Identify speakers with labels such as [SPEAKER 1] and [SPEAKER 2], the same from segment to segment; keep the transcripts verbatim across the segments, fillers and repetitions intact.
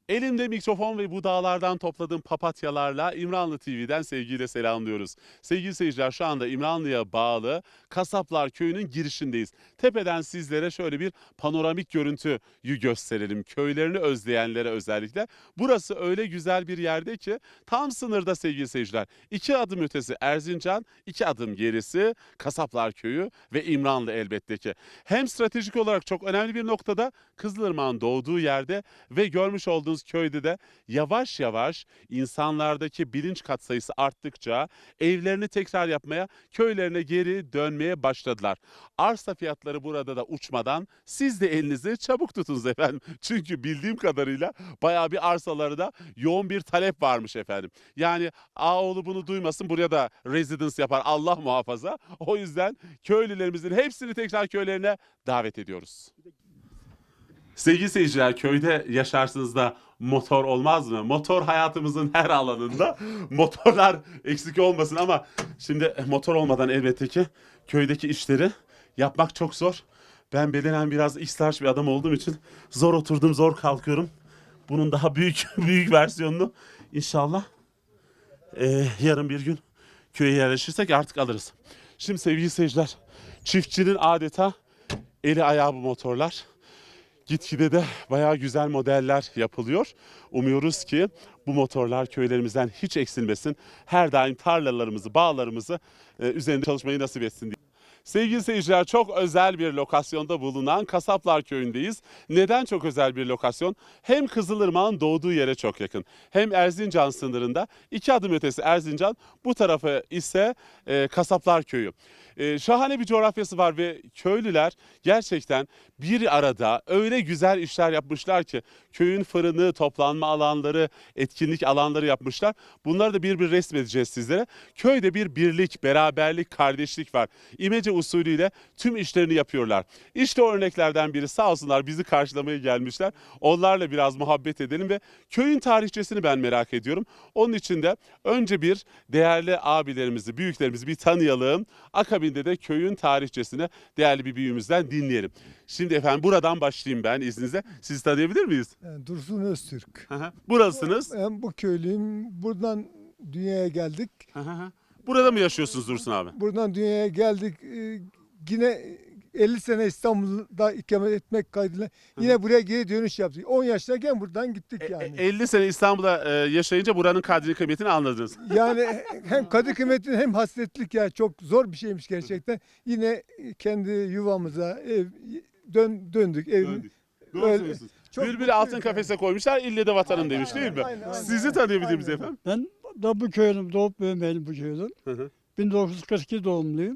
[SPEAKER 1] Elimde mikrofon ve bu dağlardan topladığım papatyalarla İmranlı T V'den sevgiyle selamlıyoruz. Sevgili seyirciler, şu anda İmranlı'ya bağlı Kasaplar Köyü'nün girişindeyiz. Tepeden sizlere şöyle bir panoramik görüntüyü gösterelim. Köylerini özleyenlere özellikle. Burası öyle güzel bir yerde ki tam sınırda sevgili seyirciler. İki adım ötesi Erzincan, iki adım gerisi Kasaplar Köyü ve İmranlı elbette ki. Hem stratejik olarak çok önemli bir noktada, Kızılırmak'ın doğduğu yerde ve görmüş olduğunuz köyde de yavaş yavaş insanlardaki bilinç katsayısı arttıkça evlerini tekrar yapmaya, köylerine geri dönmeye başladılar. Arsa fiyatları burada da uçmadan siz de elinizi çabuk tutunuz efendim. Çünkü bildiğim kadarıyla bayağı bir arsalarda yoğun bir talep varmış efendim. Yani Ağoğlu bunu duymasın, buraya da residence yapar Allah muhafaza. O yüzden köylülerimizin hepsini tekrar köylerine davet ediyoruz. Sevgili seyirciler, köyde yaşarsınız da motor olmaz mı? Motor hayatımızın her alanında. Motorlar eksik olmasın ama şimdi motor olmadan elbette ki köydeki işleri yapmak çok zor. Ben bedenen biraz ihtiyaç bir adam olduğum için zor oturdum, zor kalkıyorum. Bunun daha büyük büyük versiyonunu inşallah e, yarın bir gün köye yerleşirsek artık alırız. Şimdi sevgili seyirciler, çiftçinin adeta eli ayağı bu motorlar. Gitgide de bayağı güzel modeller yapılıyor. Umuyoruz ki bu motorlar köylerimizden hiç eksilmesin. Her daim tarlalarımızı, bağlarımızı e, üzerinde çalışmayı nasip etsin diye. Sevgili seyirciler, çok özel bir lokasyonda bulunan Kasaplar Köyü'ndeyiz. Neden çok özel bir lokasyon? Hem Kızılırmak'ın doğduğu yere çok yakın, hem Erzincan sınırında, iki adım ötesi Erzincan, bu tarafı ise e, Kasaplar Köyü. E, şahane bir coğrafyası var ve köylüler gerçekten bir arada öyle güzel işler yapmışlar ki köyün fırını, toplanma alanları, etkinlik alanları yapmışlar. Bunları da bir bir resmedeceğiz sizlere. Köyde bir birlik, beraberlik, kardeşlik var. İmece usulüyle tüm işlerini yapıyorlar. İşte o örneklerden biri, sağ olsunlar bizi karşılamaya gelmişler. Onlarla biraz muhabbet edelim ve köyün tarihçesini ben merak ediyorum. Onun için de önce bir değerli abilerimizi, büyüklerimizi bir tanıyalım. Akabinde de köyün tarihçesini değerli bir büyüğümüzden dinleyelim. Şimdi efendim buradan başlayayım ben izninizle. Sizi tanıyabilir miyiz?
[SPEAKER 2] Yani Dursun Öztürk.
[SPEAKER 1] Burasınız.
[SPEAKER 2] Ben bu köylüyüm. Buradan dünyaya geldik.
[SPEAKER 1] Burada mı yaşıyorsunuz Dursun abi?
[SPEAKER 2] Buradan dünyaya geldik. Ee, Yine elli sene İstanbul'da ikamet etmek kaydıyla yine buraya geri dönüş yaptık. on yaştayken buradan gittik
[SPEAKER 1] E,
[SPEAKER 2] yani.
[SPEAKER 1] elli sene İstanbul'da e, yaşayınca buranın kadri kıymetini anladınız.
[SPEAKER 2] Yani hem kadı kıymetini hem hasretlik ya çok zor bir şeymiş gerçekten. Yine kendi yuvamıza ev dön, döndük. Ev,
[SPEAKER 1] Döndük. Doğru
[SPEAKER 2] Öyle-
[SPEAKER 1] söylüyorsunuz.
[SPEAKER 2] çok
[SPEAKER 1] Bülbül'ü
[SPEAKER 2] mutluyuz
[SPEAKER 1] altın
[SPEAKER 2] yani.
[SPEAKER 1] kafese koymuşlar, ille de vatanım demiş
[SPEAKER 2] Aynen,
[SPEAKER 1] değil mi?
[SPEAKER 2] aynen, aynen.
[SPEAKER 1] Sizi tanıyabilir miyiz
[SPEAKER 2] Aynen.
[SPEAKER 1] efendim?
[SPEAKER 3] Ben da bu köyüm, doğup büyümeyeli bu köyden.
[SPEAKER 1] Hı hı.
[SPEAKER 3] bin dokuz yüz kırk iki doğumluyum.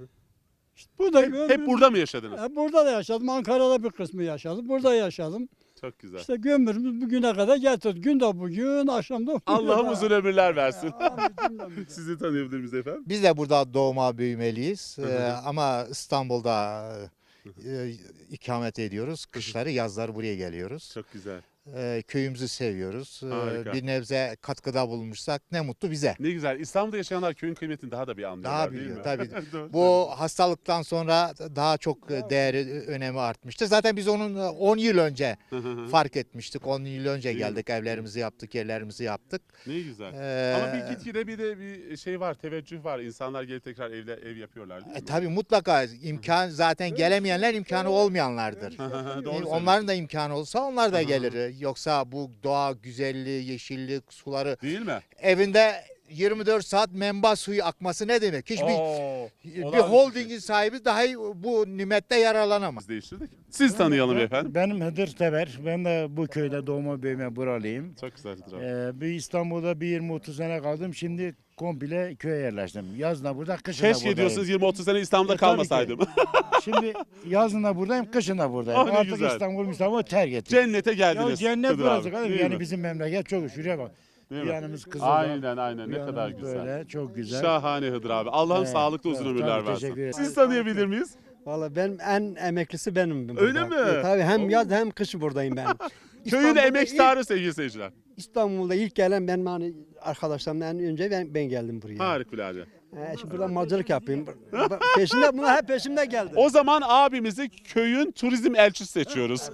[SPEAKER 3] İşte burada
[SPEAKER 1] Hep, hep burada mı yaşadınız?
[SPEAKER 3] Hep burada da yaşadım. Ankara'da bir kısmı yaşadım. Burada yaşadım.
[SPEAKER 1] Çok güzel.
[SPEAKER 3] İşte gömürümüz bugüne kadar getirdik. Gün de bugün, akşam da bugün.
[SPEAKER 1] Allah'ım uzun ömürler versin.
[SPEAKER 3] Amin cümlemize.
[SPEAKER 1] Sizi tanıyabilir miyiz efendim?
[SPEAKER 4] Biz de burada doğma büyümeliyiz.
[SPEAKER 1] Hı hı.
[SPEAKER 4] Ee, ama İstanbul'da e, ikamet ediyoruz. Kışları, yazları buraya geliyoruz.
[SPEAKER 1] Çok güzel.
[SPEAKER 4] Ee, köyümüzü seviyoruz. Ee,
[SPEAKER 1] Harika.
[SPEAKER 4] bir nebze katkıda bulunmuşsak ne mutlu bize.
[SPEAKER 1] Ne güzel. İstanbul'da yaşayanlar köyün kıymetini daha da bir anlıyorlar
[SPEAKER 4] Daha
[SPEAKER 1] değil
[SPEAKER 4] biliyor
[SPEAKER 1] mi?
[SPEAKER 4] tabii.
[SPEAKER 1] Doğru
[SPEAKER 4] Bu hastalıktan sonra daha çok değeri, önemi artmıştı. Zaten biz onun on yıl önce
[SPEAKER 1] söylüyorsun.
[SPEAKER 4] fark etmiştik. on yıl önce
[SPEAKER 1] Değil mi?
[SPEAKER 4] geldik, evlerimizi yaptık, yerlerimizi yaptık.
[SPEAKER 1] Ne güzel.
[SPEAKER 4] Ee,
[SPEAKER 1] Ama bir gitgide bir de bir şey var, teveccüh var. İnsanlar gelip tekrar evle ev yapıyorlar değil mi?
[SPEAKER 4] E, tabii mutlaka imkan zaten gelemeyenler imkanı olmayanlardır.
[SPEAKER 1] Doğru
[SPEAKER 4] Onların da imkanı olsa onlar da
[SPEAKER 1] Aha.
[SPEAKER 4] gelir. Yoksa bu doğa güzelliği, yeşillik, suları
[SPEAKER 1] değil mi?
[SPEAKER 4] evinde yirmi dört saat menba suyu akması ne demek? Hiçbir
[SPEAKER 1] Oo,
[SPEAKER 4] bir
[SPEAKER 1] olağanüstü
[SPEAKER 4] holdingin
[SPEAKER 1] şey.
[SPEAKER 4] sahibi dahi bu nimette yararlanamaz.
[SPEAKER 1] Biz değiştirdik. Siz tanıyalım efendim.
[SPEAKER 5] Benim Hıdır Teber. Ben de bu köyde doğma büyüme buralıyım.
[SPEAKER 1] Çok güzel abi.
[SPEAKER 5] Ee, bir İstanbul'da bir yirmi otuz sene kaldım. Şimdi komple köye yerleştim. Yazın da burada, kışın da
[SPEAKER 1] Keşke
[SPEAKER 5] buradayım.
[SPEAKER 1] diyorsunuz yirmi otuz sene İstanbul'da
[SPEAKER 5] E, tabii
[SPEAKER 1] kalmasaydım.
[SPEAKER 5] Şimdi yazın da buradayım, kışın da buradayım.
[SPEAKER 1] Ah, ne
[SPEAKER 5] Artık
[SPEAKER 1] güzel.
[SPEAKER 5] İstanbul, İstanbul terk ettim.
[SPEAKER 1] Cennete
[SPEAKER 5] Ya
[SPEAKER 1] geldiniz.
[SPEAKER 5] cennet
[SPEAKER 1] Hıdır
[SPEAKER 5] burası
[SPEAKER 1] abi,
[SPEAKER 5] kardeşim.
[SPEAKER 1] değil
[SPEAKER 5] Yani
[SPEAKER 1] mi?
[SPEAKER 5] bizim memleket çok şuraya bak.
[SPEAKER 1] Değil
[SPEAKER 5] Bir
[SPEAKER 1] mi?
[SPEAKER 5] yanımız Kızıldağ.
[SPEAKER 1] Aynen aynen,
[SPEAKER 5] bir
[SPEAKER 1] ne kadar
[SPEAKER 5] yanımız
[SPEAKER 1] güzel.
[SPEAKER 5] Böyle, çok güzel.
[SPEAKER 1] Şahane Hıdır abi. Allah'ım
[SPEAKER 5] Evet,
[SPEAKER 1] sağlıklı uzun
[SPEAKER 5] evet,
[SPEAKER 1] ömürler
[SPEAKER 5] tabii,
[SPEAKER 1] versin.
[SPEAKER 5] teşekkür ederim.
[SPEAKER 1] Siz tanıyabilir miyiz?
[SPEAKER 6] Valla ben en emeklisi benim. burada.
[SPEAKER 1] Öyle mi?
[SPEAKER 6] E, tabii hem
[SPEAKER 1] Oo.
[SPEAKER 6] yaz hem kış buradayım ben.
[SPEAKER 1] Köyün
[SPEAKER 6] İstanbul'da
[SPEAKER 1] emektarı sevgili seyirciler.
[SPEAKER 6] ilk- İstanbul'da ilk gelen ben hani arkadaşlarımdan önce ben, ben geldim buraya.
[SPEAKER 1] Harikulade.
[SPEAKER 6] E, şimdi burada malcılık yapayım. Peşinde bunlar hep peşimde geldi.
[SPEAKER 1] O zaman abimizi köyün turizm elçisi seçiyoruz.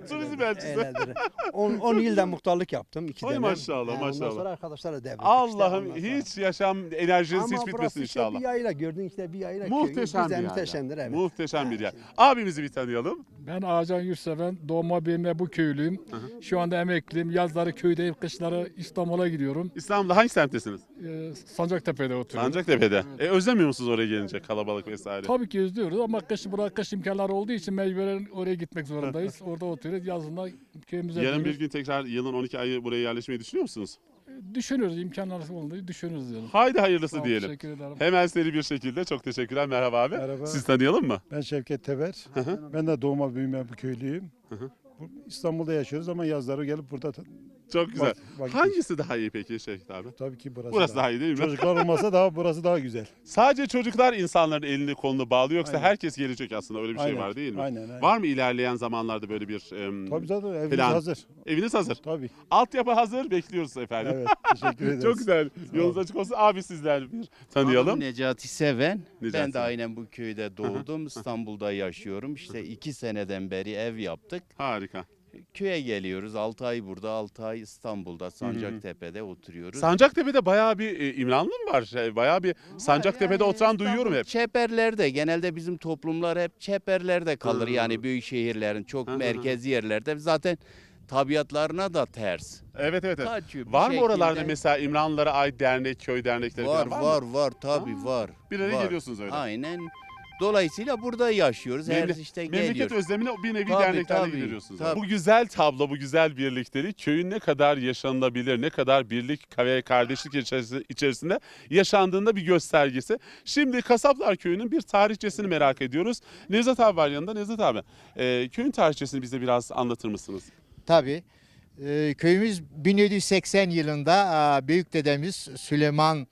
[SPEAKER 1] Turizm elçisi.
[SPEAKER 6] Öyledir. on yılda muhtarlık yaptım. iki
[SPEAKER 1] Ay
[SPEAKER 6] dönem.
[SPEAKER 1] maşallah,
[SPEAKER 6] He,
[SPEAKER 1] maşallah.
[SPEAKER 6] Ondan sonra arkadaşlarla devrettik.
[SPEAKER 1] Allah'ım
[SPEAKER 6] işte ondan sonra.
[SPEAKER 1] hiç yaşam enerjiniz
[SPEAKER 6] Ama
[SPEAKER 1] hiç
[SPEAKER 6] burası
[SPEAKER 1] bitmesin
[SPEAKER 6] işte
[SPEAKER 1] inşallah.
[SPEAKER 6] bir yayla gördün işte bir yayla.
[SPEAKER 1] Muhteşem
[SPEAKER 6] Güzel,
[SPEAKER 1] bir yer.
[SPEAKER 6] muhteşemdir evet.
[SPEAKER 1] Muhteşem bir yer. Abimizi bir tanıyalım.
[SPEAKER 3] Ben Ağacan Yurtseven, doğma büyüme bu köylüyüm. Şu anda emekliyim. Yazları köydeyim, kışları İstanbul'a gidiyorum.
[SPEAKER 1] İstanbul'da hangi semttesiniz?
[SPEAKER 3] Ee, Sancaktepe'de oturuyorum.
[SPEAKER 1] Sancaktepe'de. E, özlemiyor musunuz oraya gelince kalabalık vesaire?
[SPEAKER 3] Tabii ki özlüyoruz ama kış, burada kış imkanları olduğu için mecburen oraya gitmek zorundayız. Orada oturuyoruz. Yazında köyümüze
[SPEAKER 1] Yarın bir
[SPEAKER 3] dönüyoruz.
[SPEAKER 1] gün tekrar yılın on iki ayı buraya yerleşmeyi düşünüyor musunuz?
[SPEAKER 3] Düşünüyoruz, imkanlar olduğu düşünüyoruz diyelim.
[SPEAKER 1] Haydi
[SPEAKER 3] Sağ
[SPEAKER 1] hayırlısı
[SPEAKER 3] ol,
[SPEAKER 1] diyelim.
[SPEAKER 3] Teşekkür ederim.
[SPEAKER 1] Hemen seri bir şekilde çok teşekkürler. Merhaba abi.
[SPEAKER 7] Merhaba.
[SPEAKER 1] Siz tanıyalım mı?
[SPEAKER 7] Ben Şevket Teber. Ben de doğma büyüme bu köylüyüm. Bu- İstanbul'da yaşıyoruz ama yazları gelip burada ta-
[SPEAKER 1] Çok güzel.
[SPEAKER 7] Vak- vakit-
[SPEAKER 1] Hangisi daha iyi peki Şevket abi?
[SPEAKER 7] tabii ki burası,
[SPEAKER 1] Burası daha iyi değil mi?
[SPEAKER 7] Çocuklar olmasa daha burası daha güzel.
[SPEAKER 1] Sadece çocuklar insanların elini kolunu bağlıyor yoksa
[SPEAKER 7] Aynen.
[SPEAKER 1] herkes gelecek aslında öyle bir şey
[SPEAKER 7] Aynen,
[SPEAKER 1] var değil mi?
[SPEAKER 7] Aynen, aynen.
[SPEAKER 1] Var mı ilerleyen zamanlarda böyle bir em,
[SPEAKER 7] Tabii zaten evimiz
[SPEAKER 1] plan.
[SPEAKER 7] hazır.
[SPEAKER 1] eviniz hazır?
[SPEAKER 7] Tabii.
[SPEAKER 1] Altyapı hazır bekliyoruz efendim.
[SPEAKER 7] Evet, teşekkür ederiz.
[SPEAKER 1] Çok güzel.
[SPEAKER 7] Sağ
[SPEAKER 1] Yolunuz
[SPEAKER 7] ol.
[SPEAKER 1] açık olsun. Abi sizler bir tanıyalım.
[SPEAKER 8] Adım Necati Seven.
[SPEAKER 1] Necati
[SPEAKER 8] Ben de
[SPEAKER 1] Seven.
[SPEAKER 8] aynen bu köyde doğdum. İstanbul'da yaşıyorum. İşte iki seneden beri ev yaptık.
[SPEAKER 1] Harika.
[SPEAKER 8] Köye geliyoruz. altı ay burada, altı ay İstanbul'da, Sancaktepe'de oturuyoruz.
[SPEAKER 1] Sancaktepe'de bayağı bir e, İmranlı mı var? Şey, bayağı bir Sancaktepe'de
[SPEAKER 8] Yani
[SPEAKER 1] oturan
[SPEAKER 8] İstanbul
[SPEAKER 1] duyuyorum hep.
[SPEAKER 8] Çeperlerde, genelde bizim toplumlar hep çeperlerde kalır.
[SPEAKER 1] Hı.
[SPEAKER 8] Yani büyük şehirlerin çok
[SPEAKER 1] Hı hı hı.
[SPEAKER 8] merkezi yerlerde. Zaten tabiatlarına da ters.
[SPEAKER 1] Evet evet. evet.
[SPEAKER 8] Kaçıyor bir
[SPEAKER 1] Var mı oralarda
[SPEAKER 8] şekilde.
[SPEAKER 1] mesela İmranlılara ait dernek, köy dernekleri
[SPEAKER 8] Var
[SPEAKER 1] falan
[SPEAKER 8] var
[SPEAKER 1] mı?
[SPEAKER 8] var tabii var.
[SPEAKER 1] Bir araya
[SPEAKER 8] var.
[SPEAKER 1] geliyorsunuz öyle.
[SPEAKER 8] Aynen. Dolayısıyla burada yaşıyoruz. Her
[SPEAKER 1] Memle-
[SPEAKER 8] işte
[SPEAKER 1] Memleket
[SPEAKER 8] geliyoruz.
[SPEAKER 1] özlemine bir nevi
[SPEAKER 8] Tabii,
[SPEAKER 1] derneklerle
[SPEAKER 8] tabii,
[SPEAKER 1] gideriyorsunuz.
[SPEAKER 8] tabii.
[SPEAKER 1] Bu güzel tablo, bu güzel birliktelik köyün ne kadar yaşanılabilir, ne kadar birlik ve kardeşlik içerisi- içerisinde yaşandığında bir göstergesi. Şimdi Kasaplar Köyü'nün bir tarihçesini merak ediyoruz. Nevzat abi var yanında. Nevzat abi, e, köyün tarihçesini bize biraz anlatır mısınız?
[SPEAKER 4] Tabii. Ee, köyümüz bin yedi yüz seksen yılında e, büyük dedemiz Süleyman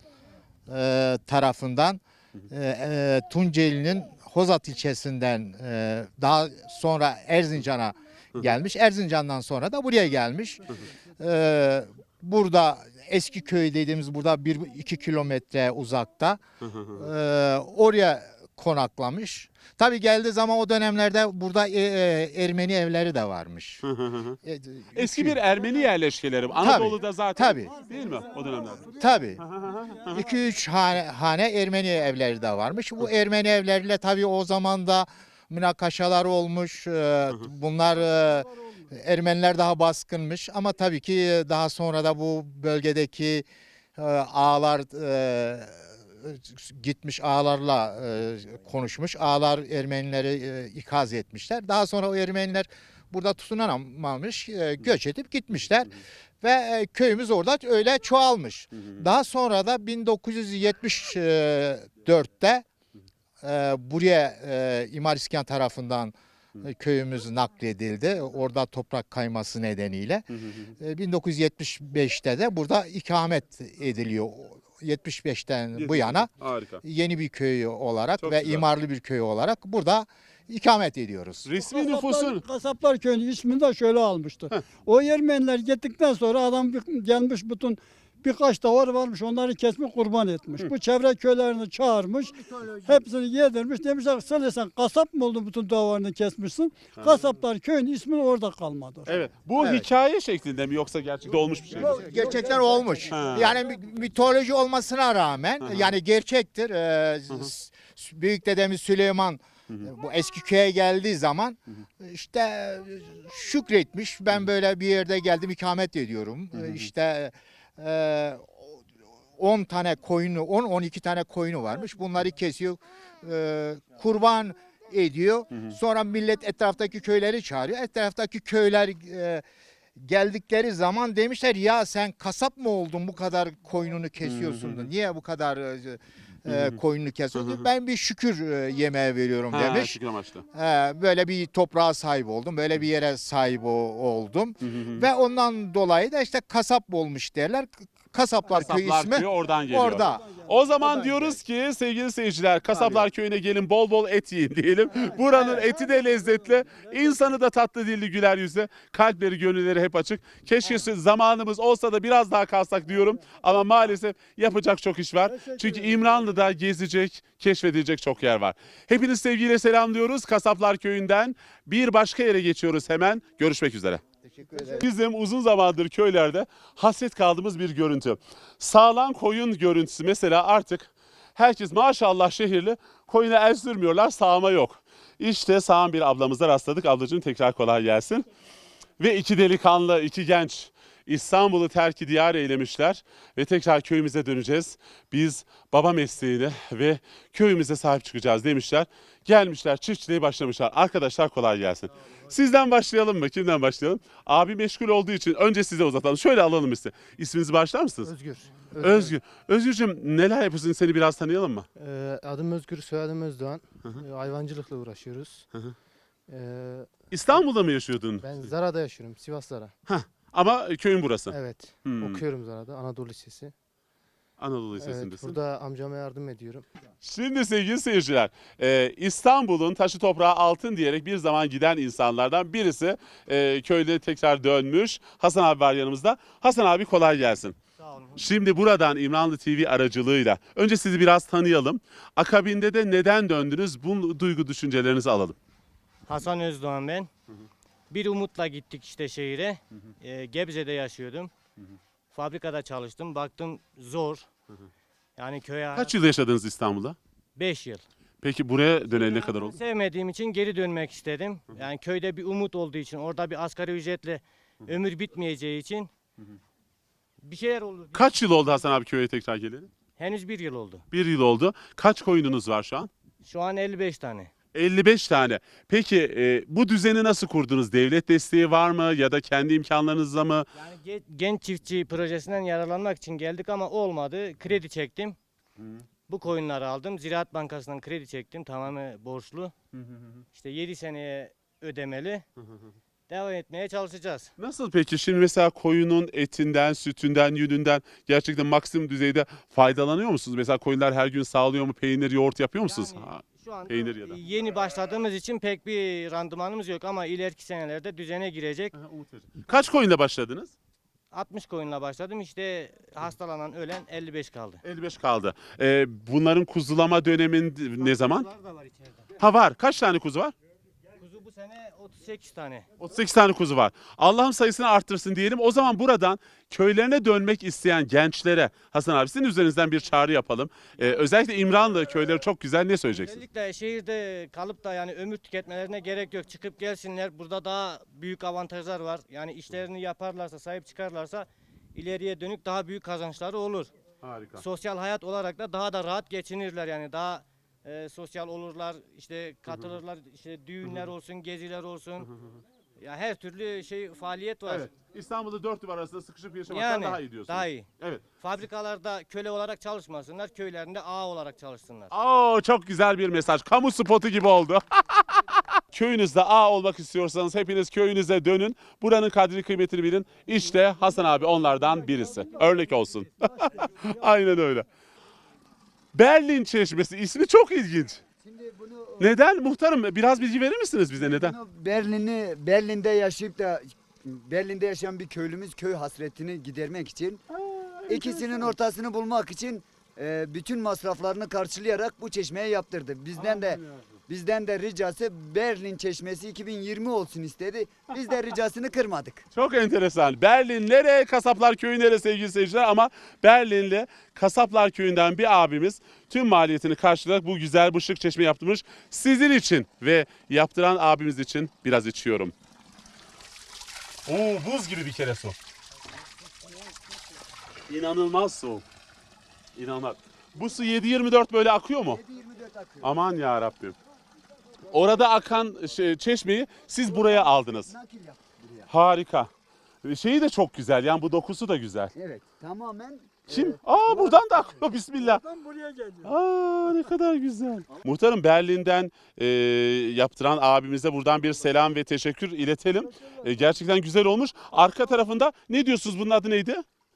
[SPEAKER 4] e, tarafından e, e, Tunceli'nin Hozat ilçesinden e, daha sonra Erzincan'a gelmiş. Erzincan'dan sonra da buraya gelmiş. Ee, burada eski köy dediğimiz burada bir iki kilometre uzakta. Ee, oraya konaklamış. Tabii geldiği zaman o dönemlerde burada e, e, Ermeni evleri de varmış. E,
[SPEAKER 1] Eski bir Ermeni yerleşkeleri. Anadolu'da zaten
[SPEAKER 4] tabii.
[SPEAKER 1] değil mi o dönemlerde?
[SPEAKER 4] Tabii. iki üç hane, hane Ermeni evleri de varmış. Bu Ermeni evleriyle tabii o zaman da münakaşalar olmuş. Ee, Bunlar e, Ermeniler daha baskınmış ama tabii ki daha sonra da bu bölgedeki e, ağalar e, gitmiş ağalarla e, konuşmuş. Ağalar Ermenileri e, ikaz etmişler. Daha sonra o Ermeniler burada tutunamamış, e, göç edip gitmişler. Ve e, köyümüz orada öyle çoğalmış. Daha sonra da bin dokuz yüz yetmiş dörtte e, buraya e, İmar İskan tarafından e, köyümüz nakledildi. Orada toprak kayması nedeniyle. E, bin dokuz yüz yetmiş beşte de burada ikamet ediliyor. yetmiş beşten bu yana
[SPEAKER 1] Harika.
[SPEAKER 4] yeni bir köy olarak
[SPEAKER 1] Çok
[SPEAKER 4] ve
[SPEAKER 1] güzel.
[SPEAKER 4] imarlı bir köy olarak burada ikamet ediyoruz.
[SPEAKER 1] Resmi nüfusun
[SPEAKER 3] Kasaplar Köyü'nün ismini de şöyle almıştı. O Ermeniler gittikten sonra adam bir- gelmiş bütün birkaç davar varmış onları kesmiş kurban etmiş. Bu çevre köylerini çağırmış. Hepsini yedirmiş. Demişler sen de sen kasap mı oldun bütün davarını kesmişsin. Kasaplar Köyü'nün ismi orada kalmadı.
[SPEAKER 1] Evet. Bu
[SPEAKER 4] Evet.
[SPEAKER 1] hikaye şeklinde mi yoksa gerçekten olmuş bir şey mi?
[SPEAKER 4] Gerçekten olmuş.
[SPEAKER 1] Ha.
[SPEAKER 4] Yani mi- mitoloji olmasına rağmen yani gerçektir. Ee, s- büyük dedemiz Süleyman e, bu eski köye geldiği zaman işte e, şükretmiş. Ben böyle bir yerde geldim ikamet ediyorum. E, İşte e, on tane koyunu, on on iki tane koyunu varmış. Bunları kesiyor. e, kurban ediyor. Sonra millet etraftaki köyleri çağırıyor. Etraftaki köyler e, geldikleri zaman demişler ya sen kasap mı oldun bu kadar koyununu kesiyorsun da niye bu kadar e, e, koyununu kesiyorsun? Ben bir şükür e, yemeği veriyorum
[SPEAKER 1] Ha,
[SPEAKER 4] demiş.
[SPEAKER 1] şükür amaçlı.
[SPEAKER 4] He, böyle bir toprağa sahip oldum. Böyle bir yere sahip o- oldum. Ve ondan dolayı da işte kasap olmuş derler. Kasaplar, Köyü
[SPEAKER 1] Kasaplar
[SPEAKER 4] ismi
[SPEAKER 1] Köyü oradan geliyor.
[SPEAKER 4] orada.
[SPEAKER 1] O zaman diyoruz ki sevgili seyirciler, Kasaplar Köyü'ne gelin, bol bol et yiyin diyelim. Buranın eti de lezzetli, insanı da tatlı dilli, güler yüzlü, kalpleri gönülleri hep açık. Keşke zamanımız olsa da biraz daha kalsak diyorum ama maalesef yapacak çok iş var. Çünkü İmranlı'da gezecek, keşfedilecek çok yer var. Hepiniz sevgiyle selamlıyoruz. Kasaplar Köyü'nden bir başka yere geçiyoruz hemen. Görüşmek üzere. Bizim uzun zamandır köylerde hasret kaldığımız bir görüntü. Sağlan koyun görüntüsü mesela artık herkes maşallah şehirli koyuna el sürmüyorlar, sağma yok. İşte sağan bir ablamıza rastladık. Ablacığım tekrar kolay gelsin. Ve iki delikanlı, iki genç İstanbul'u terk diyar eylemişler ve tekrar köyümüze döneceğiz. Biz baba mesleğini ve köyümüze sahip çıkacağız demişler. Gelmişler, çiftçiliğe başlamışlar. Arkadaşlar kolay gelsin. Sizden başlayalım mı? Kimden başlayalım? Abi meşgul olduğu için önce size uzatalım. Şöyle alalım size. İsminizi başlar mısınız?
[SPEAKER 9] Özgür.
[SPEAKER 1] Özgür. Özgürcüğüm neler yapıyorsun? Seni biraz tanıyalım mı?
[SPEAKER 9] Ee, adım Özgür, soyadım Özdoğan.
[SPEAKER 1] Hı hı.
[SPEAKER 9] Ee, hayvancılıkla uğraşıyoruz.
[SPEAKER 1] Hı hı.
[SPEAKER 9] Ee,
[SPEAKER 1] İstanbul'da mı yaşıyordun?
[SPEAKER 9] ben Zara'da yaşıyorum, Sivas Zara.
[SPEAKER 1] Ama köyün burası.
[SPEAKER 9] Evet,
[SPEAKER 1] Hmm.
[SPEAKER 9] okuyorum Zara'da, Anadolu Lisesi.
[SPEAKER 1] Anadolu
[SPEAKER 9] Evet,
[SPEAKER 1] Lisesi'ndesin.
[SPEAKER 9] burada amcama yardım ediyorum.
[SPEAKER 1] Şimdi sevgili seyirciler, e, İstanbul'un taşı toprağı altın diyerek bir zaman giden insanlardan birisi e, köyde tekrar dönmüş. Hasan abi var yanımızda. Hasan abi kolay gelsin.
[SPEAKER 9] Sağ olun.
[SPEAKER 1] Şimdi buradan İmranlı T V aracılığıyla önce sizi biraz tanıyalım. Akabinde de neden döndünüz? Bu duygu düşüncelerinizi alalım.
[SPEAKER 10] Hasan Özdoğan ben. Bir umutla gittik işte şehire. Ee, Gebze'de yaşıyordum. Fabrikada çalıştım. Baktım zor. Yani köye
[SPEAKER 1] Kaç yıl yaşadınız İstanbul'da?
[SPEAKER 10] beş yıl.
[SPEAKER 1] Peki buraya döneli ne kadar oldu?
[SPEAKER 10] Sevmediğim için geri dönmek istedim. Yani köyde bir umut olduğu için, orada bir asgari ücretle ömür bitmeyeceği için bir şeyler olur.
[SPEAKER 1] Kaç yıl oldu Hasan abi köye tekrar geleli?
[SPEAKER 10] Henüz bir yıl oldu.
[SPEAKER 1] Bir yıl oldu. Kaç koyununuz var şu an?
[SPEAKER 10] Şu an elli beş tane.
[SPEAKER 1] elli beş tane. Peki e, bu düzeni nasıl kurdunuz? Devlet desteği var mı ya da kendi imkanlarınızla mı?
[SPEAKER 10] Yani ge- genç çiftçi projesinden yararlanmak için geldik ama olmadı. Kredi çektim. Bu koyunları aldım. Ziraat Bankası'ndan kredi çektim. Tamamen borçlu. İşte yedi seneye ödemeli. Devam etmeye çalışacağız.
[SPEAKER 1] Nasıl peki? Şimdi mesela koyunun etinden, sütünden, yününden gerçekten maksimum düzeyde faydalanıyor musunuz? Mesela koyunlar her gün sağlıyor mu? Peynir, yoğurt yapıyor musunuz?
[SPEAKER 10] Yani
[SPEAKER 1] Ha,
[SPEAKER 10] şu anda
[SPEAKER 1] peynir ya da.
[SPEAKER 10] yeni başladığımız için pek bir randımanımız yok ama ileriki senelerde düzene girecek.
[SPEAKER 1] Kaç koyunla başladınız?
[SPEAKER 10] altmış koyunla başladım. İşte hastalanan, ölen elli beş kaldı.
[SPEAKER 1] elli beş kaldı. Ee, bunların kuzulama dönemin ne zaman?
[SPEAKER 10] Kuzular da var içeride.
[SPEAKER 1] Ha var. Kaç tane kuzu var?
[SPEAKER 10] Kuzu bu sene otuz sekiz tane.
[SPEAKER 1] otuz sekiz tane kuzu var. Allah'ım sayısını arttırsın diyelim. O zaman buradan köylerine dönmek isteyen gençlere Hasan abi sizin üzerinizden bir çağrı yapalım. Ee, özellikle İmranlı köyleri çok güzel. Ne söyleyeceksiniz?
[SPEAKER 10] Özellikle şehirde kalıp da yani ömür tüketmelerine gerek yok. Çıkıp gelsinler. Burada daha büyük avantajlar var. Yani işlerini yaparlarsa, sahip çıkarlarsa ileriye dönük daha büyük kazançları olur.
[SPEAKER 1] Harika.
[SPEAKER 10] Sosyal hayat olarak da daha da rahat geçinirler yani daha e, sosyal olurlar, işte katılırlar, işte düğünler olsun, geziler olsun. Ya her türlü şey faaliyet var.
[SPEAKER 1] Evet. İstanbul'da dört duvar arasında sıkışıp yaşamaktan
[SPEAKER 10] Yani
[SPEAKER 1] daha iyi diyorsunuz.
[SPEAKER 10] daha iyi.
[SPEAKER 1] Evet.
[SPEAKER 10] Fabrikalarda köle olarak çalışmasınlar, köylerinde ağa olarak çalışsınlar.
[SPEAKER 1] Oo, çok güzel bir mesaj. Kamu spotu gibi oldu. Köyünüzde ağa olmak istiyorsanız hepiniz köyünüze dönün. Buranın kadri kıymetini bilin. İşte Hasan abi onlardan birisi. Örnek olsun. Aynen öyle. Berlin Çeşmesi ismi çok ilginç.
[SPEAKER 11] Şimdi bunu
[SPEAKER 1] Neden? Muhtarım biraz bilgi verir misiniz bize neden?
[SPEAKER 11] bunu Berlin'i Berlin'de yaşayıp da Berlin'de yaşayan bir köylümüz köy hasretini gidermek için ikisinin ortasını bulmak için e, bütün masraflarını karşılayarak bu çeşmeyi yaptırdı. Bizden de bizden de ricası Berlin Çeşmesi iki bin yirmi olsun istedi. Biz de ricasını kırmadık.
[SPEAKER 1] Çok enteresan. Berlin nere? Kasaplar Köyü nere sevgili seyirciler? Ama Berlinli Kasaplar Köyü'nden bir abimiz tüm maliyetini karşılayarak bu güzel bu şık çeşme yaptırmış. Sizin için ve yaptıran abimiz için biraz içiyorum. Oo, buz gibi bir kere su. İnanılmaz soğuk. İnanılmaz. Bu su yedi yirmi dört böyle akıyor mu?
[SPEAKER 11] yedi yirmi dört akıyor.
[SPEAKER 1] Aman ya Rabbim. Orada akan şey, çeşmeyi siz buraya aldınız.
[SPEAKER 11] Nakil yaptık buraya.
[SPEAKER 1] Harika. Şeyi de çok güzel. Yani bu dokusu da güzel.
[SPEAKER 11] Evet, tamamen
[SPEAKER 1] Kim?
[SPEAKER 11] e,
[SPEAKER 1] Aa buradan da akıyor. Bismillah.
[SPEAKER 3] Oradan buraya geliyor.
[SPEAKER 1] Aa ne kadar güzel. Muhtarım Berlin'den e, yaptıran abimize buradan bir selam ve teşekkür iletelim. E, gerçekten güzel olmuş. Arka tarafında ne diyorsunuz bunun adı neydi?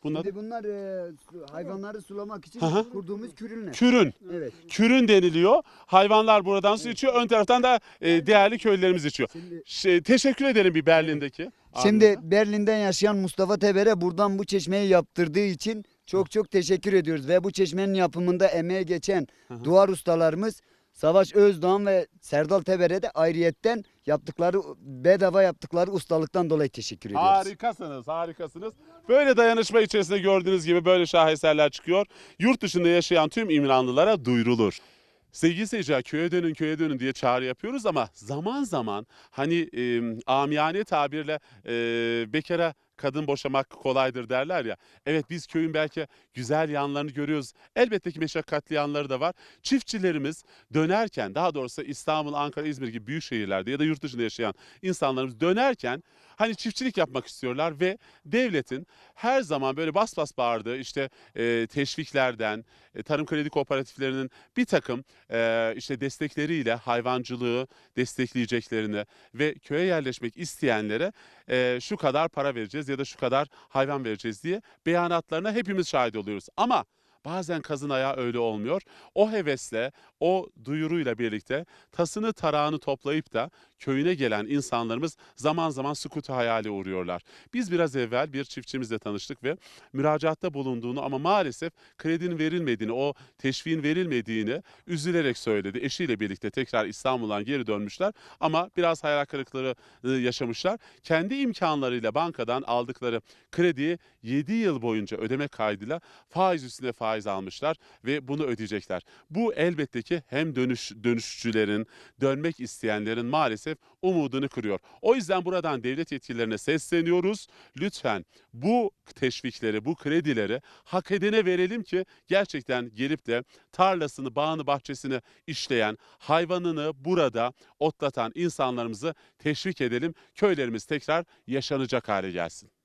[SPEAKER 1] Bunlar
[SPEAKER 11] Şimdi bunlar e, su- hayvanları sulamak için
[SPEAKER 1] Hı hı.
[SPEAKER 11] kurduğumuz kürünler.
[SPEAKER 1] kürün.
[SPEAKER 11] Evet.
[SPEAKER 1] Kürün deniliyor. Hayvanlar buradan su içiyor. Ön taraftan da e, değerli köylülerimiz içiyor.
[SPEAKER 11] Şimdi,
[SPEAKER 1] Şey, teşekkür ederim bir Berlin'deki.
[SPEAKER 11] şimdi
[SPEAKER 1] abimize.
[SPEAKER 11] Berlin'den yaşayan Mustafa Teber'e buradan bu çeşmeyi yaptırdığı için çok çok teşekkür ediyoruz. Ve bu çeşmenin yapımında emeğe geçen duvar ustalarımız Savaş Özdoğan ve Serdal Teber'e de ayrıyetten yaptıkları bedava yaptıkları ustalıktan dolayı teşekkür ediyoruz.
[SPEAKER 1] Harikasınız, harikasınız. Böyle dayanışma içerisinde gördüğünüz gibi böyle şaheserler çıkıyor. Yurt dışında yaşayan tüm İmranlılara duyurulur. Sevgili seyirciler, köye dönün köye dönün diye çağrı yapıyoruz ama zaman zaman hani e, amiyane tabirle e, bekara kadın boşamak kolaydır derler ya. Evet, biz köyün belki güzel yanlarını görüyoruz. Elbette ki meşakkatli yanları da var. Çiftçilerimiz dönerken, daha doğrusu İstanbul, Ankara, İzmir gibi büyük şehirlerde ya da yurt dışında yaşayan insanlarımız dönerken hani çiftçilik yapmak istiyorlar ve devletin her zaman böyle bas bas bağırdığı işte e, teşviklerden, e, tarım kredi kooperatiflerinin bir takım e, işte destekleriyle hayvancılığı destekleyeceklerini ve köye yerleşmek isteyenlere e, şu kadar para vereceğiz ya da şu kadar hayvan vereceğiz diye beyanatlarına hepimiz şahit oluyoruz. Ama bazen kazın ayağı öyle olmuyor. O hevesle, o duyuruyla birlikte tasını tarağını toplayıp da köyüne gelen insanlarımız zaman zaman sükutu hayale uğruyorlar. Biz biraz evvel bir çiftçimizle tanıştık ve müracaatta bulunduğunu ama maalesef kredinin verilmediğini, o teşviğin verilmediğini üzülerek söyledi. Eşiyle birlikte tekrar İstanbul'dan geri dönmüşler ama biraz hayal kırıklığı yaşamışlar. Kendi imkanlarıyla bankadan aldıkları krediyi yedi yıl boyunca ödeme kaydıyla faiz üstüne faiz almışlar ve bunu ödeyecekler. Bu elbette ki hem dönüş dönüşçülerin, dönmek isteyenlerin maalesef umudunu kırıyor. O yüzden buradan devlet yetkililerine sesleniyoruz. Lütfen bu teşvikleri, bu kredileri hak edene verelim ki gerçekten gelip de tarlasını, bağını, bahçesini işleyen, hayvanını burada otlatan insanlarımızı teşvik edelim. Köylerimiz tekrar yaşanacak hale gelsin.